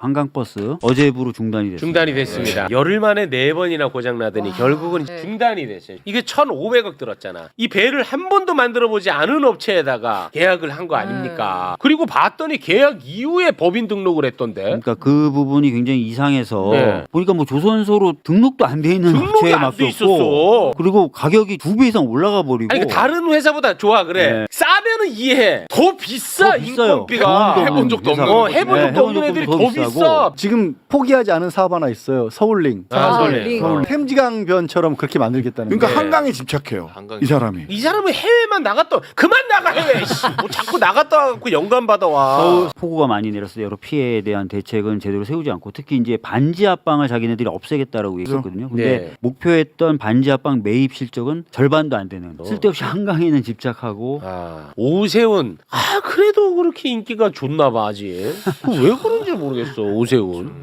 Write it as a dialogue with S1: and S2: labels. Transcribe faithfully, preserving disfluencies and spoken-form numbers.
S1: 한강버스 어제부로 중단이 됐습니다.
S2: 중단이 됐습니다. 열흘 만에 네 번이나 고장 나더니
S3: 와,
S2: 결국은
S3: 네.
S2: 중단이 됐어요. 이게 천오백억 들었잖아. 이 배를 한 번도 만들어 보지 않은 업체에다가 계약을 한 거 아닙니까? 그리고 봤더니 계약 이후에 법인 등록을 했던데.
S1: 그러니까 그 부분이 굉장히 이상해서
S2: 네.
S1: 보니까 뭐 조선소로 등록도 안 돼 있는
S2: 등록이
S1: 업체에
S2: 안 돼
S1: 맡겼고
S2: 있었어.
S1: 그리고 가격이 두 배 이상 올라가 버리고
S2: 아니 그 다른 회사보다 좋아 그래.
S1: 네.
S2: 싸면은 이해해. 더 비싸
S1: 더 비싸요.
S2: 인건비가.
S1: 경험도
S4: 해본 적도
S1: 없는
S4: 없는
S2: 어,
S4: 거지.
S2: 해본
S1: 네,
S2: 적도 없는
S1: 해본
S2: 애들이
S1: 적도
S2: 더
S1: 더
S2: 비싸.
S1: 비싸고.
S5: 지금 포기하지 않은 사업 하나 있어요. 서울링.
S2: 아,
S3: 아,
S2: 설레.
S3: 링.
S2: 어.
S5: 템지강변처럼 그렇게 만들겠다는
S4: 그러니까
S5: 거예요.
S4: 한강에 집착해요.
S2: 한강에.
S4: 이 사람이.
S2: 이 사람은 해외만 나갔다 그만 나가 해외. 씨. 뭐 자꾸 나갔다 와갖고 연관 받아 와.
S1: 서울 폭우가 많이 내렸을 때 여러 피해에 대한 대책은 제대로 세우지 않고 특히 이제 반지 합방을 자기네들이 없애겠다라고 얘기했거든요. 근데
S2: 네.
S1: 목표했던 반지 합방 매입 실적은 절반도 안 되는 쓸데없이 한강에는 집착하고
S2: 아, 오세훈. 아 그래도 그렇게 인기가 좋나 봐 아직. 왜 그런지 모르겠어 오세훈.